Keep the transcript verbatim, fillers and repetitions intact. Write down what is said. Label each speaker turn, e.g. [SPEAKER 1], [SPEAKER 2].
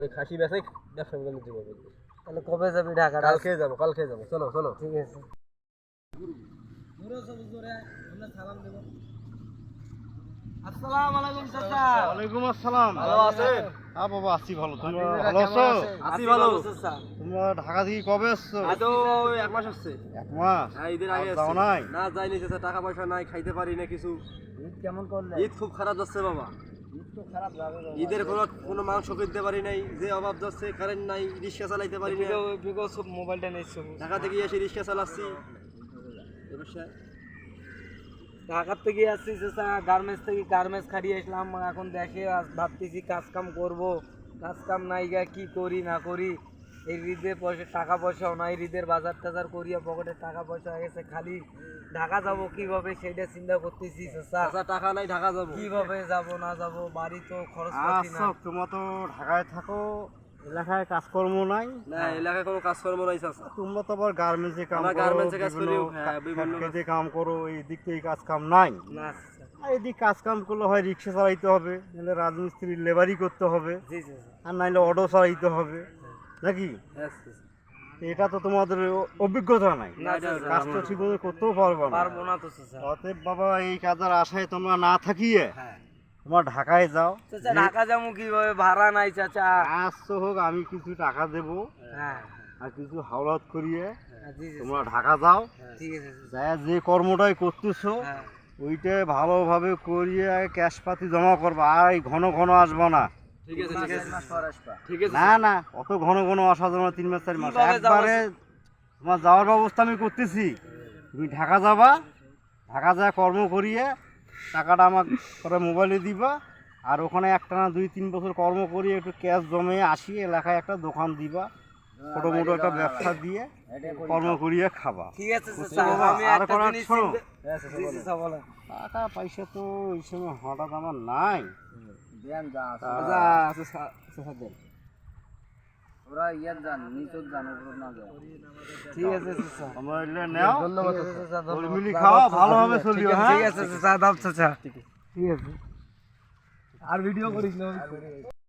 [SPEAKER 1] ওই খাসি বেচে ব্যবসা বাণিজ্য করবো।
[SPEAKER 2] তাহলে কবে যাবি ঢাকা?
[SPEAKER 1] কালকে যাবো, কালকে যাবো, চলো চলো।
[SPEAKER 2] ঠিক আছে। সালাম দেব। আসসালামু আলাইকুম চাচা।
[SPEAKER 3] ওয়ালাইকুম আসসালাম।
[SPEAKER 1] ভালো আছেন?
[SPEAKER 3] হ্যাঁ বাবা, আছি ভালো। তোমরা ভালো আছো?
[SPEAKER 1] আছি ভালো।
[SPEAKER 3] তোমরা ঢাকা থেকে কবে আসছো?
[SPEAKER 1] এই তো এক মাস হচ্ছে।
[SPEAKER 3] এক মাস?
[SPEAKER 1] হ্যাঁ, ঈদের আগে
[SPEAKER 3] আর যাও
[SPEAKER 1] আসছি।
[SPEAKER 3] নাই?
[SPEAKER 1] না যাইনি চাচা, টাকা পয়সা নাই, খাইতে পারি না কিছু।
[SPEAKER 2] ঈদ কেমন করলে?
[SPEAKER 1] ঈদ খুব খারাপ যাচ্ছে বাবা।
[SPEAKER 2] ঈদ তো খারাপ যাবে বাবা।
[SPEAKER 1] ঈদের কোনো কোনো মাংস কিনতে পারি নাই, যে অভাব যাচ্ছে, কারেন্ট নাই, রিক্সা চালাইতে পারি না।
[SPEAKER 2] বিগো সব মোবাইলটা নিয়েছো।
[SPEAKER 1] ঢাকা থেকে এসে রিক্সা চালাচ্ছি। অবশ্যই
[SPEAKER 2] ঢাকার থেকে আসছি চাচা, গার্মেন্টস থেকে গার্মেন্টস খাটিয়ে আসলাম। এখন দেখে আজ ভাবতেছি কাজ কাম করবো, কাজ কাম নাই গা, কি করি না করি। এই ঈদের পয়সা টাকা পয়সাও নাই, ঈদের বাজার টাজার করিয়া পকেটে টাকা পয়সা হয়ে গেছে, খালি ঢাকা যাব কিভাবে সেটা চিন্তা করতেছি চাচা।
[SPEAKER 1] চাচা টাকা নাই, ঢাকা যাবো
[SPEAKER 2] কিভাবে যাব না যাব, বাড়ি তো খরচ পাতি না।
[SPEAKER 3] আচ্ছা, তোমরা তো ঢাকায় থাকো, এলাকায় কাজকর্ম নাই।
[SPEAKER 1] না, এলাকায় কোনো কাজকর্ম নাই চাচা।
[SPEAKER 3] তোমরা তো আবার গার্মেন্টসে কাম
[SPEAKER 1] আমরা
[SPEAKER 3] করো,
[SPEAKER 1] গার্মেন্টসে কাজ করি,
[SPEAKER 3] বিভিন্ন
[SPEAKER 1] হ্যাঁ, বিভিন্ন
[SPEAKER 3] ফ্যাক্টরিতে কাম করো, এই দিক থেকে কাজ কাম নাই।
[SPEAKER 2] না চাচা।
[SPEAKER 3] আর এদিক কাজ কাম করলে হয় রিক্সা চালাইতে হবে, নাহলে রাজমিস্ত্রির লেবারি করতে হবে,
[SPEAKER 2] জি চাচা।
[SPEAKER 3] আর নাইলে অটো চালাইতে হবে, নাকি?
[SPEAKER 1] হ্যাঁ, চাচা।
[SPEAKER 3] এটা তো তোমাদের অভিজ্ঞতা নাই,
[SPEAKER 2] না চাচা,
[SPEAKER 3] কাজ তো ঠিক মতো করতেও পারবে না।
[SPEAKER 2] পারবো না তো চাচা।
[SPEAKER 3] অতএব বাবা, এই কাজের আশায় তোমরা না থাকিয়ে
[SPEAKER 2] হ্যাঁ
[SPEAKER 3] তোমরা ঢাকায় যাও।
[SPEAKER 2] চাচা, ঢাকা যাবো কিভাবে? ভাড়া নাই চাচা।
[SPEAKER 3] আজ তো হোক, আমি কিছু টাকা দেবো
[SPEAKER 2] হ্যাঁ
[SPEAKER 3] আর কিছু হাওলাত করিয়ে
[SPEAKER 2] হ্যাঁ, জি চাচা।
[SPEAKER 3] তোমরা ঢাকা যাও।
[SPEAKER 2] ঠিক আছে চাচা।
[SPEAKER 3] যা যে কর্মটাই করতেছো
[SPEAKER 2] হ্যাঁ
[SPEAKER 3] ওইটা ভালোভাবে করিয়ে ক্যাশ পাতি জমা করবা, আর এই ঘন ঘন আসবা না।
[SPEAKER 1] ঠিক আছে, ঠিক আছে, ঠিক আছে।
[SPEAKER 3] না না, অত ঘন ঘন আসা যাবে না, তিন মাস চার মাস
[SPEAKER 2] কিভাবে যাবো?
[SPEAKER 3] একবারে তোমার যাওয়ার ব্যবস্থা আমি করতেছি। তুমি ঢাকা যাবা, ঢাকা যা কর্ম করিয়ে টাকাটা আমার করে মোবাইলে দিবা, আর ওখানে একটা না দুই তিন বছর কর্ম করিয়ে একটু ক্যাশ জমে আসি, এলাকায় একটা দোকান দিবা, ছোটো মোটো একটা ব্যবসা দিয়ে কর্ম করিয়ে খাবা।
[SPEAKER 2] ঠিক আছে চাচা,
[SPEAKER 3] বাবা,
[SPEAKER 2] আমি
[SPEAKER 3] আর
[SPEAKER 2] একটা
[SPEAKER 3] কোনো
[SPEAKER 2] জিনিস
[SPEAKER 3] শোনো।
[SPEAKER 2] চিন্তা- জি চাচা, বলেন।
[SPEAKER 3] টাকা পয়সা তো এই সময় হঠাৎ আমার নাই।
[SPEAKER 2] দেন যা আছে।
[SPEAKER 3] তা-
[SPEAKER 2] যা আছে চা- চাচা দেন। ওরা ইয়ার যান, নিচত যান, উপর না যান। ঠিক আছে চাচা।
[SPEAKER 3] তোমরা এলে নাও,
[SPEAKER 2] ধন্যবাদ চাচা, ধন্যবাদ।
[SPEAKER 3] মিলি খাওয়া, ভালোভাবে
[SPEAKER 2] ঠিক
[SPEAKER 3] চলিও।
[SPEAKER 2] আছে,
[SPEAKER 3] হ্যাঁ,
[SPEAKER 2] ঠিক আছে চাচা, দাও চাচা। ঠিক আছে। আর ভিডিও করিস না।